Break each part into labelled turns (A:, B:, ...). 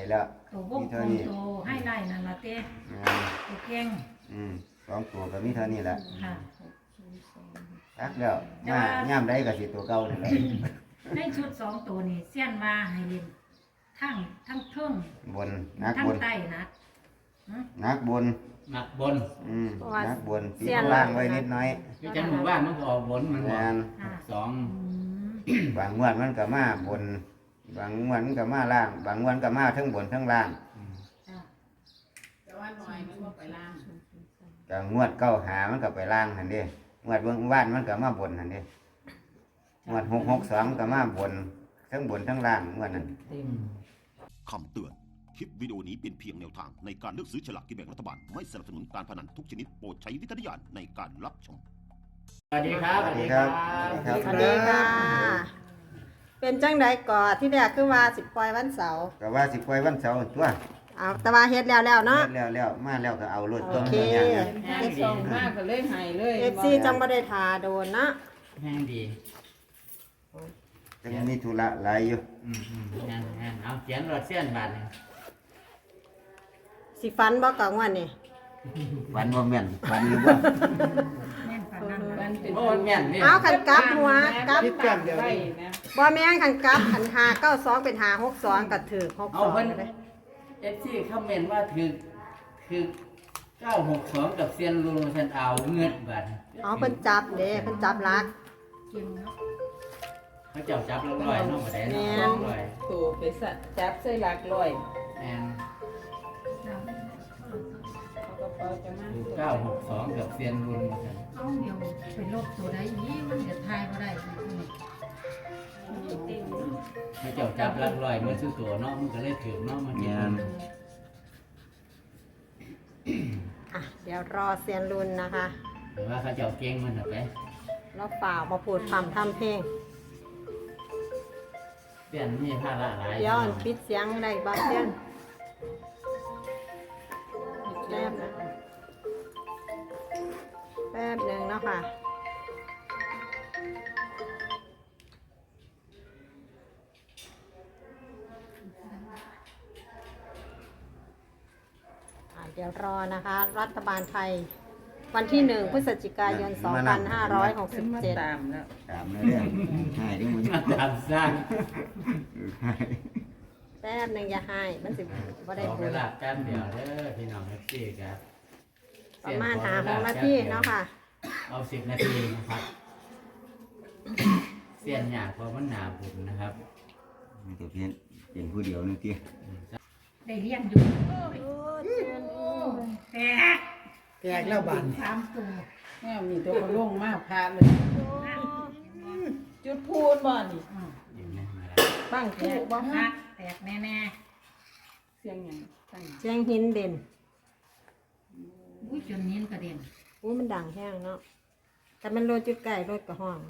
A: แล้ว
B: ตัววงกลมตัวให้ไล่นั่นละเต้ตัวเก่ง
A: 2ตัวก็มีเท่านี้แหละ
B: ค่ะ
A: ตักแล้วมาย่ำได้ก็สิตัวเก่านี่แหละ
B: ในชุด2ตัวนี่เสี้ยนว่าให้เล่นทั้งเทิง
A: บนนัก
B: ทั้ง
A: บน
B: ใต้นัก
A: นักบน
C: หนักบน
A: นักบนตีล่างไว้นิดน้อย
C: คือจังหมู่บ้านมันก็ออกบนมันบอก2
A: บางงวดมันก็มาบนบางงวดมันก็มาล่างบางงวดก็มาทั้งบนทั้งล่าง
D: แต่ว่าหน่อยมันก็ไปล่าง
A: ก็งวด9หามันก็ไปล่างหั่นเด้งวดเบิ่งว่านมันก็มาบนหั่นเด้งวด662ก็มาบนทั้งบนทั้งล่างงวดนั้น
E: คำเตือนคลิปวิดีโอนี้เป็นเพียงแนวทางในการเลือกซื้อฉลากกินแบ่งรัฐบาลไม่สนับสนุนการพนันทุกชนิดโปรดใช้วิจารณญาณในการรับชม
C: สวัสดีครับ
A: สวัสดีครับ
F: สวัสดีค่ะเป็นจังไดก่อที่แรกคือว่าสิปล่อยวันเสาร์
A: ก็ว่าสิปล่อยวันเสาร์ตัว
F: เอาแต่ว่าเฮ็ดแล้วเนาะ
A: แล้วมาแล้วก็เอารถตัว
F: โอเค
D: แห้งส่งมากก็เลยหายเลย
F: FC จังบ่ได้ทาโดนนะ
C: แห้งดี
A: จังมีธุระหลายอยู่
C: แห้งเอาเขียนรถเส้นบาทนึง
F: สิฟันบ่กะงวดนี่
A: วันบ่แม่นวันอยู่บ่
B: แม่นปานนั้น
D: มันเป็น
C: โอ้แม่นนี่
F: เอาคันกลับหัวกลับ
D: ได้นะ
F: บ่แม่นคันกลับคัน592เป็น562ก็ถูก62เลย
C: FC คอมเมนต์ว่าคือ962กับเซียนรูเซนเอาเงินบาท
F: เอาเพิ่นจับเด้เพิ่นจับลัก
B: เก่งเนาะ
C: เขาจับลอยๆเนาะบ่ได้เนาะลอย
D: ถูกไปสัตว์จับใส่หลักลอย
C: แม่น
D: เขาก็เปิดจะมา
C: 962กับเซียนรูเซน
B: เอาเดี๋ยวไปลบตัวใดนี้มันจะทายบ่ได้
C: เขาจับลักลอยมันซื้อตัวเนาะมันก็เลยถือเนาะมันกิน
F: เดี๋ยวรอเซียนรุ่นนะคะ
C: หรือว่าเขาจะเก่งมันไป
F: แล้วเปล่ามาพูดทำเพลง
C: เปลี่ยนมีผ้าละหลาย
F: เดี๋ยวปิดเสียงได้บ้างเซียนแป๊บนึงเนาะค่ะเดี๋ยวรอนะคะรัฐบาลไทยวันที่1พฤศจิกายน2567
D: ตามแล้ว
A: ตามเรื่องให้ดิมึง
C: ตามสร้าง
F: แป๊บนึงอย่าให้มันสิบ่ได้ผ
C: เว
F: ล
C: ลาแป๊บเดียวเด้อพี่น้องFCครับ
F: ประมาณ6 นาทีเนาะค่ะ
C: เอา10 นาทีนะครับเสียนหยาเพราะมันหนาบุญนะครับ
A: มันก็เพียงเป็นผู้เดียวนึงติ
B: ได้เลี้ยงอยู่แตก
F: แล้วบาน
B: 3ตัว
D: แม่มีตัวเขาลงมากพาเลยจุดพูนบ่นี่ตั้งคู่บ่ฮะ
B: แตกแน่
D: เสียงหยังตั้ง
F: เสียงหินเด่น
B: อุ้ยจนนิ้นกระเด็น
F: มันดังแห้งเนาะแต่มันรถจุดไก่รถกระห้อง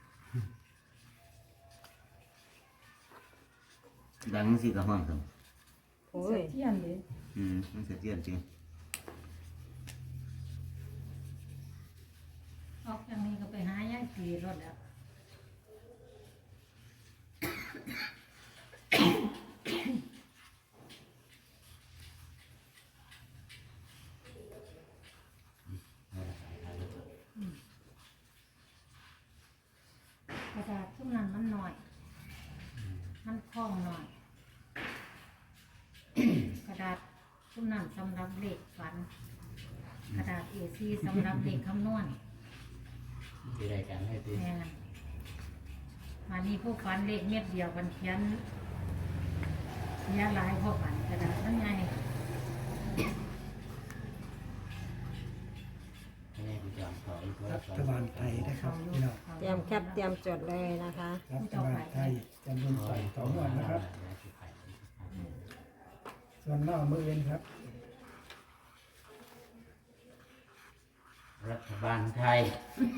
A: ดังสิกะห้องครับ
F: โอ้ย
D: เทียนเลย
A: มันเสียจริง
B: ออกจากนี้ก็ไปหาย่ายตีรถแล้วกระดาษทุกนั้นมันหน่อยมันคล่องหน่อยกระดาษทุกนั้นสำหรับเลขฝันกระดาษ A4 สำหรับเลขคำนวณ
C: ที่รายการให้ตี
B: แม่มานี่ผู้ฝันเลขเม็ดเดียวกันเขียนหลายพ่อฝันกระดาษนั่นไง
G: รัฐบาลไทยนะครับพี่น้อง
F: เตรียมแคปเตรียมจดเลยนะคะ
G: รัฐบาลไทยจำนวน2 วันนะครับส่วนนอกมือเองครับ
C: รัฐบาลไทย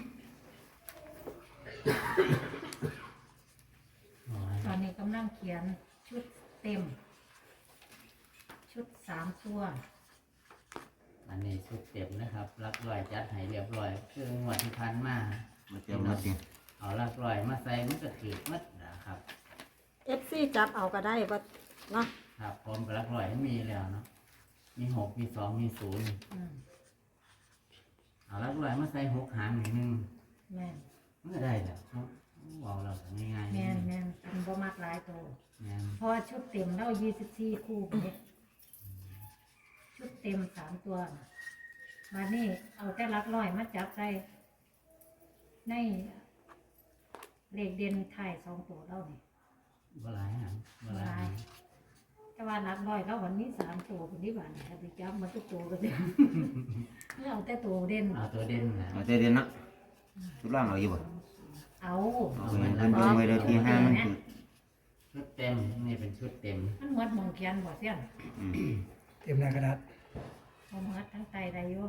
B: ตอนนี้กำลังเขียนชุดเต็มชุด3 ตัว
C: อันนี้ชุดเต็มนะครับลักลอยจัดให้เรียบร้อยคืองวดที่ผ่านมา
A: เตรียมมาสิ
C: เอาลักลอยมาใส่มันก็ถือมัดนะครับ
F: FC จับเอาก็ได้บ่เนาะ
C: ครับพร้อมกับลักลมีแล้วเนาะมีหกมีสองมีศูนย์
B: อืม
C: เอาลักลอยมาใส่หกหางหนึ่ง
B: แม่น
C: มันก็ได้แล้วเนาะบอกเราง่ายๆ
B: แม่นแม่นเป็นบ่มักหลายตัว
C: แม่น
B: เพอชุดเต็มแล้ว24คู่เนี่ยชุดเต็ม3ตัวน่ะมานี่เอาแต่หลักร้อยมาจับใส่ในเลขเด่นไทาย2ตัวแล้วนี่
C: บ่หลายหางบ่หลายหาง
B: แต่ว่าหลักร้อยแล้ววันนี้3ตัวคนนี้บ้านถ้าไปจับมาทุกตัวก็ได้ เอาแต่ตัวเด่น
C: เอาตัวเด่นนะ
A: เอาใจเด่นเนาะชุดล่างเอาอยู่บ่
B: เอา
A: เอาเงินเพิ่นเบิ่งไว้เด้อที่ห้ามันคือ
C: ชุดเต็มนี่เป็นชุดเต็ม
B: มันหมดหมองเขียนบ่เสียน
A: อืม
G: เตรียมหน้ากระดาษ
B: บ่หมดทั้งไตได้อยู่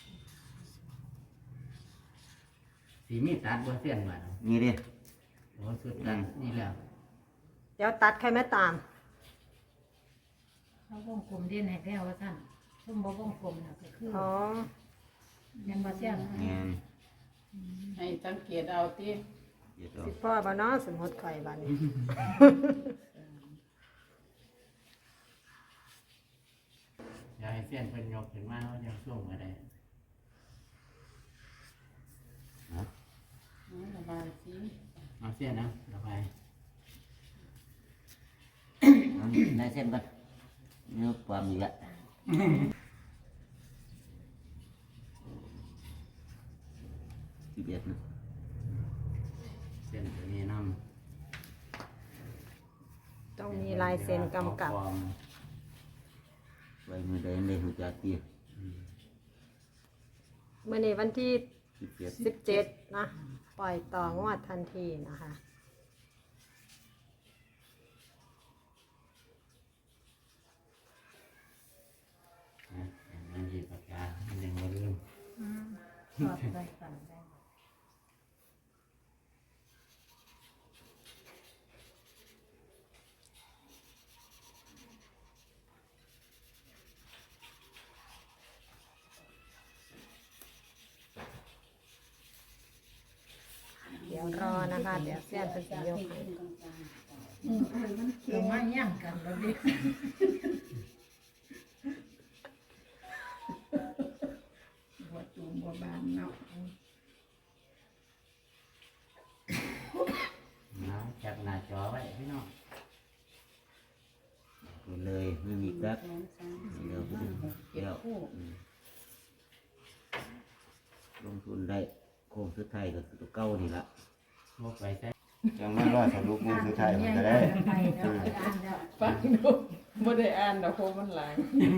C: สีมีตัดบ่เสี้ยนบ่
A: นี่เด้
C: โอ้ชุดตัดนี่แล้ว
F: เดี๋ยวตัดใครไม่ตาม
B: เขาวงกลมเด่นให้แล้วว่าซั่นซุ่มบ่วงกลมน่ะก็คือ
F: อ๋อ
B: แม่นบ่เสียน
A: แม่น
D: ให้สังเกตเอาที่
A: เดี๋ยวเอา
F: สิพ่อบ่เนาะสมมติข่อยบัดนี้
C: อย่าให้เสี้ยนเพิ่นยกขึ้นมาเขาจะช่วงก็ได้
D: ระบายสี
C: เอาเสี้ยนนะระบาย
A: เอาได้เส้นก่อนนี่ความอีกละ11นะ
C: เส้นตัวนี้นำ
F: ต้องมีลายเซ็นกำกับ
A: ไว้มือใดอันใดหูจักติ
F: มื้อนี้วันที่
A: 17
F: 17 นะ ปล่อยต่องวดทันทีนะคะ
C: มันหยิบปากกามันยังบ่ลืม
B: อืมสอดใส่กันได้
F: เดี๋ยวรอนะคะ เดี๋ยวเสี้ยนเป็นสิยกให้
B: เดี๋ยวมาย่างกันแล้วดิ
D: บัวตูมบัวบานเนาะ
C: นะจับหน้าจอไว้พี่น้อง
A: ไปเลยไม่มีกัก
D: 2 3
A: เดี๋ยว
D: 4 5 6
A: เดี๋ยว
D: 7คู่
A: ลงทุนได้โค้งสุดท้ายก็คือตัวเก่านี่ละ
C: พวกไปใส่
A: จังว่ารอสรุปมือสุดท้ายมันก็ได้
B: ไปแล้วไปอ่านแล้ว
D: ฟังดูบ่ได้อ่านดอกโคมันหลาย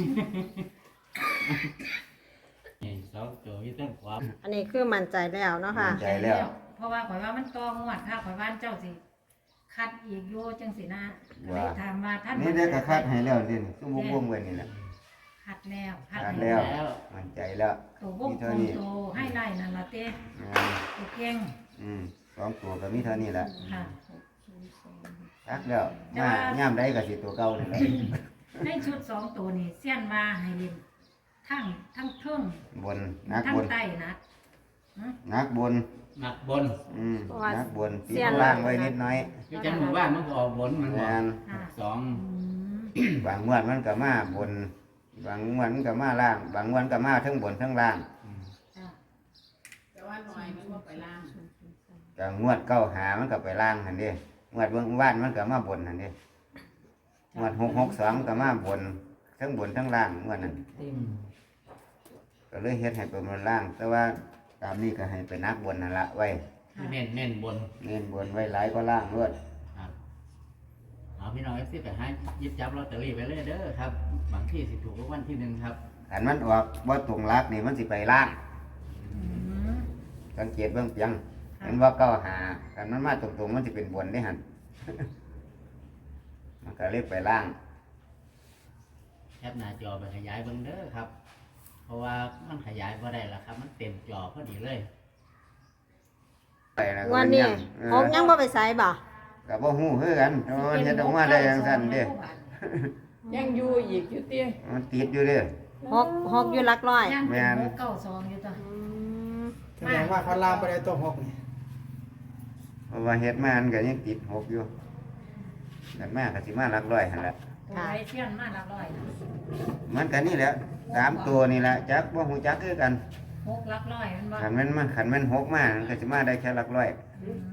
C: นี่สองตัวที่ต้องความ
F: อันนี้คือมั่นใจแล้วเนาะค่ะ
A: ใจแล้ว
B: เพราะว่าข่อยว่ามันตองวดค่ะข่อยว่าเจ้าสิคัดอีกโยจังสินะก็เลยถามว่าท่าน
A: นี่ได้กระคัดให้แล้วนี่ซุ่มวงๆไว้นี่แหละ
B: คัดแล้วคัด
A: คัด
B: แล้
A: แล้ว วมั่นใจแล้ว
B: ตัววงกลมตัวให้ไล่นั่นละเต้
A: งาน
B: ตัวเก่ง
A: 2ตัวก็มีเท่านี้แหละ
B: ค่ะ
A: คักแล้วมาย่ามใดก็สิตัวเก่านี่แหละ
B: ในชุด2ตัวนี่เสี้ยนว่าให้เล่นทั้งเทิง
A: บนนัก
B: ทั้ง
A: บน
B: ใต้นะ
A: นักบน
C: หนักบน
F: เพราะว่า
A: นักบนตี
F: เสี้ยน
A: ล่างไว้นิดน้อย
C: คือจังหมู่บ้านมันก็ออกบนมันบ
A: งา
C: อก
A: น
B: ค่ะ
C: สอง
A: บางงวดมันก็มาบน บางงวดมันก็มาล่าง บางงวดก็มาทั้งบนทั้งล่าง
B: จ้ะ
D: แต่ว่าหน่อยมันบ่ไปล่าง
A: ก็งวดเก้าหามันก็ไปล่างหันเดิงวดเบื้องว่านมันก็มาบนหันเดิงวด662ก็มาบนทั้งบนทั้งล่างงวดนั้น
C: เต็ม
A: ก็เลยเฮ็ดให้เป็นบนล่าง แต่ว่าตามนี้ก็ให้เป็นนักบนนั่นละไว้
C: เน้นบน
A: เน้นบนไว้หลายก็ล่างด้วย
C: ครับเอาพี่น้องเอฟซีไปหาหยิบจับลอตเตอรี่ไปเลยเด้อครับบางที่สิถูกรางวัลที่หนึ่งครับ
A: อันมันออกบ่ตรงลักนี่มันสิไปล่าง
B: อืม
A: สังเกตเบื้องเพียงเห็นว่าเก้าหาอันมันมาตรงๆมันสิเป็นบนได้หัน มันก็เลยไปล่าง
C: แคปหน้าจอไปขยายเบิ่งเด้อครับ เพราะว่ามันขยายบ่ได้แล้วครับ มันเต็มจอพอดีเลย
A: ไปแล้วก็
F: วัน
A: มัน
F: นี้
A: ยัง
F: หกยังบ่ไปใส่บ่
A: ก็บ่ฮู้คือกันแต่ว่ามันเฮ็ดออกมาได้จังซั่นเด้
D: ยังอยู่อีกอยู่เตี้ย
A: มันติดอยู่เด้
F: หกอยู่หลักร้อย
B: ย่าง
A: แม่น
B: เป็น692อยู่ตัว
F: อืม
G: แสดงว่าเขาลามไปได้ตัวหกนี่
A: เพราะว่าเฮ็ดมามันก็ยังติด6อยู่กันมาก็สิมาหลักร้อยหั่นแหละ
B: ตัวไรเชี่ยนมาหลักร้อยนะ
A: มันกันนี่แหละ3ตัวนี่แหละจักบ่ฮู้จักคือกัน
B: หกหลักร้อยมันบ่
A: ขันแมันหกมามันก็จะมาได้แค่หลักร้อย
B: อืม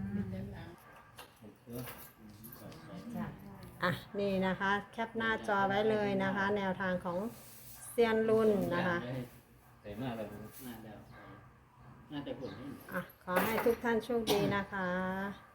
B: จ้ะ
F: อ่ะนี่นะคะ แคปหน้าจอไว้เลยนะคะ แนวทางของเซียนรุ่นนะคะ
C: มาแล้วน่าจะผล
F: อ่ะขอให้ทุกท่านโชคดีนะคะ